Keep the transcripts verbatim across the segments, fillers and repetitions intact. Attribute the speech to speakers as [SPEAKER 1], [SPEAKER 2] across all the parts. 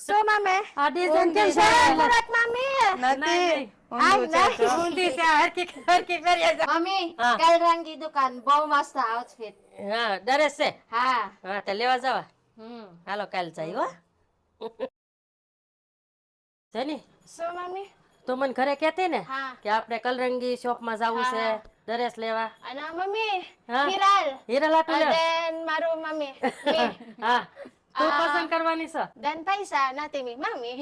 [SPEAKER 1] શું મમ્મી
[SPEAKER 2] આ ડિઝાઇન કેમ
[SPEAKER 1] છે
[SPEAKER 2] છે
[SPEAKER 1] મુરત મમ્મી
[SPEAKER 3] નથી
[SPEAKER 1] આ
[SPEAKER 3] ઊંધું છે તો.
[SPEAKER 2] ઊંધી છે હરકી હરકી પહેરીએ છે.
[SPEAKER 1] મમ્મી
[SPEAKER 2] હા.
[SPEAKER 1] કલ રંગી દુકાન બહુ મસ્ત આઉટફિટ
[SPEAKER 2] હા ડરેસ છે
[SPEAKER 1] હા
[SPEAKER 2] હા તો લેવા જવા
[SPEAKER 1] હમ
[SPEAKER 2] હાલો કાલ જાય હો જેની
[SPEAKER 1] શું મમ્મી
[SPEAKER 2] તો મને ઘરે કહેતી ને
[SPEAKER 1] હા
[SPEAKER 2] કે આપણે કલરંગી શોપમાં જવું છે
[SPEAKER 1] હા.
[SPEAKER 2] ડ્રેસ લેવા
[SPEAKER 1] અને મમ્મી
[SPEAKER 2] હા.
[SPEAKER 1] હિરાલ
[SPEAKER 2] હીરા લાટુ લે
[SPEAKER 1] દેન મારું મમ્મી મી
[SPEAKER 2] હા તું
[SPEAKER 1] આ.
[SPEAKER 2] પસંદ કરવાની છે
[SPEAKER 1] દેન પૈસા નથી મી મમ્મી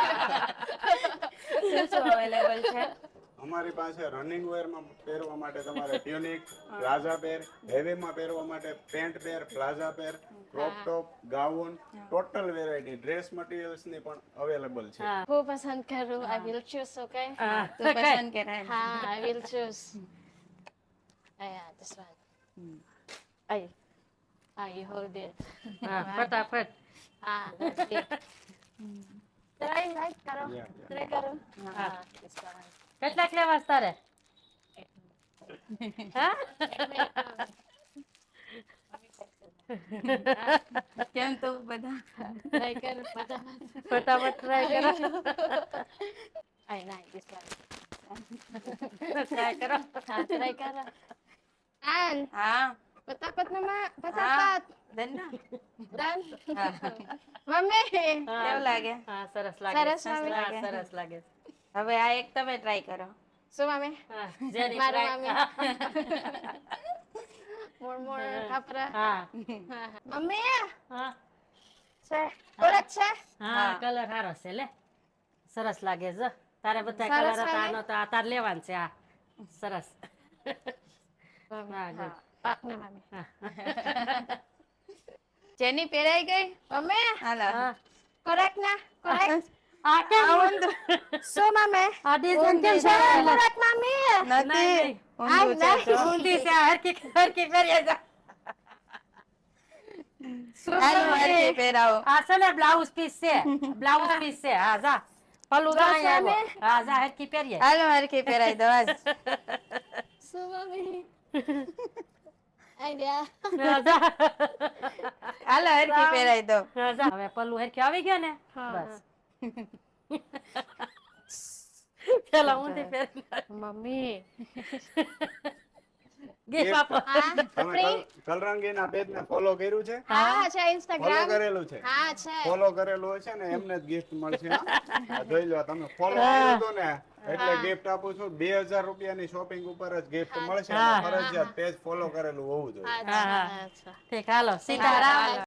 [SPEAKER 3] શું શું અવેલેબલ છે?
[SPEAKER 4] અમારી પાસે રનિંગ વેરમાં પહેરવા માટે તમારે ટ્યુનિક પ્લાઝા પેર હેવીમાં પહેરવા માટે pant pair palazzo pair crop top gown total variety dress મટીરિયલ્સની પણ અવેલેબલ છે.
[SPEAKER 2] હા
[SPEAKER 1] હું પસંદ કરું આઈ વિલ ચૂઝ ઓકે
[SPEAKER 2] હા
[SPEAKER 3] તું પસંદ કરાય.
[SPEAKER 1] હા I will choose yeah this one ay ah you hold it
[SPEAKER 2] હા ફટાફટ
[SPEAKER 1] ah try right કરો
[SPEAKER 4] Yeah, yeah.
[SPEAKER 1] try કરો
[SPEAKER 2] હા.
[SPEAKER 1] ah this one
[SPEAKER 2] કેટલાક લેવા છે તારે હા
[SPEAKER 3] કેમ તો બધા
[SPEAKER 1] try કરો ફટાફટ
[SPEAKER 2] ફટાફટ ટ્રાય કરો
[SPEAKER 1] ay nice this one
[SPEAKER 2] try કરો
[SPEAKER 1] ah try કરો an
[SPEAKER 3] હા
[SPEAKER 1] patapat naman
[SPEAKER 3] હા
[SPEAKER 1] patapat
[SPEAKER 3] દંડા
[SPEAKER 1] dan
[SPEAKER 3] હા.
[SPEAKER 1] mami
[SPEAKER 2] હા.
[SPEAKER 3] કેવું લાગે?
[SPEAKER 2] હા સરસ લાગે
[SPEAKER 1] સરસ
[SPEAKER 2] હા
[SPEAKER 1] લાગે.
[SPEAKER 2] સરસ લાગે
[SPEAKER 3] હવે આ એક તમે ટ્રાય કરો.
[SPEAKER 1] so mami
[SPEAKER 2] હા જેની
[SPEAKER 1] મારું
[SPEAKER 2] try-
[SPEAKER 1] mami more more kapra
[SPEAKER 2] હા
[SPEAKER 1] mami
[SPEAKER 2] હા
[SPEAKER 1] છે કોલેજ છે
[SPEAKER 2] હા
[SPEAKER 3] હા.
[SPEAKER 2] કલર સારો છે લે સરસ લાગે છે તારે બધા
[SPEAKER 1] સરસ
[SPEAKER 2] કલર હતા
[SPEAKER 1] લાગે?
[SPEAKER 2] આનો તો આ તાર લેવાનું છે આ સરસ હા good.
[SPEAKER 1] પાક ના mami
[SPEAKER 3] જેની પહેરાઈ ગઈ
[SPEAKER 1] mami
[SPEAKER 3] હાલો
[SPEAKER 2] હા
[SPEAKER 1] correct na correct
[SPEAKER 2] આ કેમ
[SPEAKER 1] so mami
[SPEAKER 2] આ ડિઝાઇન કેમ
[SPEAKER 3] ઊંધી
[SPEAKER 2] છે
[SPEAKER 1] છે correct mami
[SPEAKER 3] નથી
[SPEAKER 2] નહીં.
[SPEAKER 3] ઊંધું છે તો.
[SPEAKER 2] ઊંધી છે હરકી હરકી પહેરીએ છે
[SPEAKER 3] હાલો હરખી પહેરાવો.
[SPEAKER 2] આ છે ને બ્લાઉઝ પીસ છે બ્લાઉઝ પીસ છે હા જા પલ્લું તો
[SPEAKER 1] બસ
[SPEAKER 2] અહીંયા
[SPEAKER 1] અમે?
[SPEAKER 2] આવ્યો. હા જા હરકી પહેરીએ
[SPEAKER 3] હાલો હરખી પહેરાઈ દો આજ.
[SPEAKER 1] so mami idea
[SPEAKER 2] હા, જા.
[SPEAKER 3] હાલો હરખી પહેરાઈ દો.
[SPEAKER 2] હા, જા. હવે પલ્લું હરખી આવી ગયા ને
[SPEAKER 1] હા,
[SPEAKER 2] બસ પેલા ઊંધી પહેરી
[SPEAKER 1] mami
[SPEAKER 2] ગીફ આપો
[SPEAKER 1] હા
[SPEAKER 4] તમે
[SPEAKER 1] free
[SPEAKER 4] કલ- કલરંગીના પેજને ફોલો કર્યું છે
[SPEAKER 1] હા છે
[SPEAKER 4] ફોલો
[SPEAKER 1] instagram
[SPEAKER 4] કરેલું છે
[SPEAKER 1] હા છે
[SPEAKER 4] ફોલો કરેલું હોય છે ને એમને જ ગિફ્ટ મળશે હા? આ જોઈ લો તમે ફોલો કર્યું હતું ને એટલે ગિફ્ટ આપું છું બે હજાર રૂપિયાની શોપિંગ ઉપર જ ગિફ્ટ મળશે અને
[SPEAKER 2] હા.
[SPEAKER 4] ફરજિયાત પેજ ફોલો કરેલું હોવું જોઈએ
[SPEAKER 1] અચ્છા
[SPEAKER 2] હા.
[SPEAKER 1] અચ્છા
[SPEAKER 2] ઠીક હાલો
[SPEAKER 1] સીતારામ.
[SPEAKER 2] સીતારામ